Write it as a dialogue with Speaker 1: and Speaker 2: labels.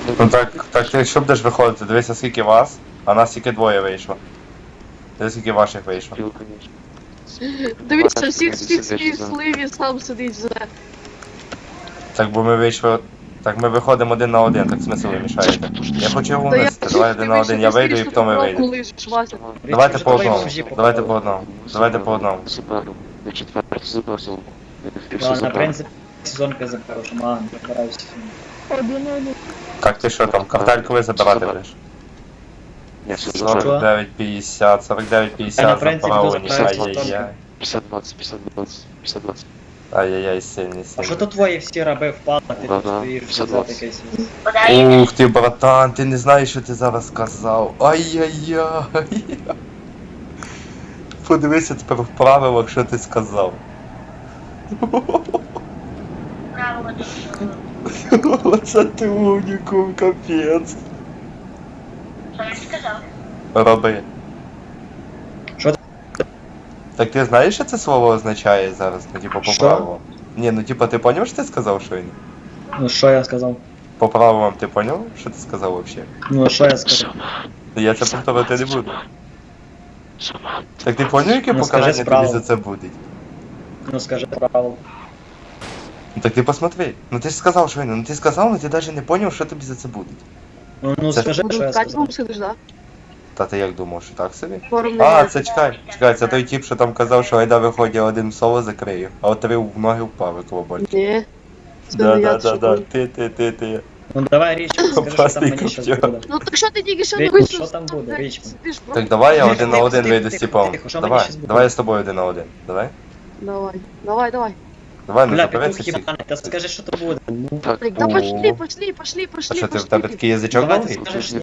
Speaker 1: Ну так ти що будеш виходити? Дивися, скільки вас, а нас тільки двоє вийшло. Дивись, скільки ваших вийшло.
Speaker 2: Пил, конечно.
Speaker 3: Дивіться, всіх свій сливі сам сидить вже.
Speaker 1: Так, бо ми вийшли... Так ми виходимо один на один, так смисл ви мішаєте. Я хочу його винести, давай один на один, я вийду і потім ви вийдете. Давайте по одному, давайте по одному, давайте по одному.
Speaker 2: Забрал. На четвертый забросил.
Speaker 4: Ладно, в принципе, сезонка за хорошим, ладно, разбираюсь.
Speaker 1: Так, ти що там, картель коли забирати будеш?
Speaker 2: Нет, все забрал.
Speaker 1: 49-50, 49-50
Speaker 4: Та на принципі,
Speaker 1: заправлені,
Speaker 4: тут
Speaker 1: ай-яй-яй.
Speaker 2: 50-20, 50-20, 50-20.
Speaker 1: Ай-яй-яй, сильний,
Speaker 4: А що
Speaker 1: сильний.
Speaker 4: то твої всі раби впали, ти тут
Speaker 2: Ага,
Speaker 4: стоїш,
Speaker 2: все
Speaker 4: взяти
Speaker 2: клас.
Speaker 4: якийсь.
Speaker 1: Ух ти, братан, ти не знаєш, що ти зараз сказав. Ай-яй-яй. Подивися тепер в правилах, що ти сказав. Оце ти унікум, капець.
Speaker 5: Що він сказав?
Speaker 1: Роби.
Speaker 4: Що ти?
Speaker 1: Так ти знаєш, що це слово означає зараз? Ну, типу, по
Speaker 4: Що?
Speaker 1: правилам? Ні, ну типу, ти поняв, що ти сказав, що він?
Speaker 4: Ну що я сказав?
Speaker 1: По правилам ти поняв, що ти сказав вообще?
Speaker 4: Ну що я сказав?
Speaker 1: Я це повторити не буду. Так ти поняв, яке
Speaker 4: Ну, скажи
Speaker 1: покарання тобі
Speaker 4: справу.
Speaker 1: за це буде?
Speaker 4: Ну скажи правило.
Speaker 1: Ну так ти посмотри. Ну ти ж сказав, що він. Ну ти сказав, але ти навіть не поняв, що тобі за це буде.
Speaker 4: Ну
Speaker 1: Це-
Speaker 4: скажи, що я
Speaker 3: Катьком
Speaker 4: сказав.
Speaker 3: сидиш, да?
Speaker 1: Та ти як думав, що так собі?
Speaker 3: Форму
Speaker 1: А,
Speaker 3: немає.
Speaker 1: це чекай, це той тип, що там казав, що айда виходить один в соло закрию, а от три в ноги впав, як лобольчик.
Speaker 3: Ні. Це не я, це
Speaker 1: Да,
Speaker 3: що
Speaker 1: ти.
Speaker 4: Ну давай річ, скажи, що там
Speaker 1: Опасний
Speaker 4: мені щас
Speaker 1: купчак.
Speaker 4: буде.
Speaker 3: Ну так що ти тільки що не
Speaker 4: Річ,
Speaker 3: вийшов?
Speaker 4: що там буде, Річ?
Speaker 3: Сидиш, бро.
Speaker 1: Так давай я
Speaker 4: Тихо,
Speaker 1: один на
Speaker 4: тихо,
Speaker 1: один
Speaker 4: тихо,
Speaker 1: вийду з
Speaker 4: тихо,
Speaker 1: типом.
Speaker 4: тихо, що мені
Speaker 1: Давай,
Speaker 4: щас буде?
Speaker 1: давай я з тобою один на один. Давай.
Speaker 3: Давай, давай.
Speaker 1: Давай, не
Speaker 4: Бля,
Speaker 1: забереться
Speaker 4: петух
Speaker 1: всіх.
Speaker 4: ебаний, та скажи, що то буде. Ну,
Speaker 2: Так,
Speaker 3: Так, да
Speaker 1: О.
Speaker 3: пошли.
Speaker 1: А що ти, в тебе такий язичок
Speaker 4: давай ти
Speaker 1: довгий?
Speaker 4: скажеш,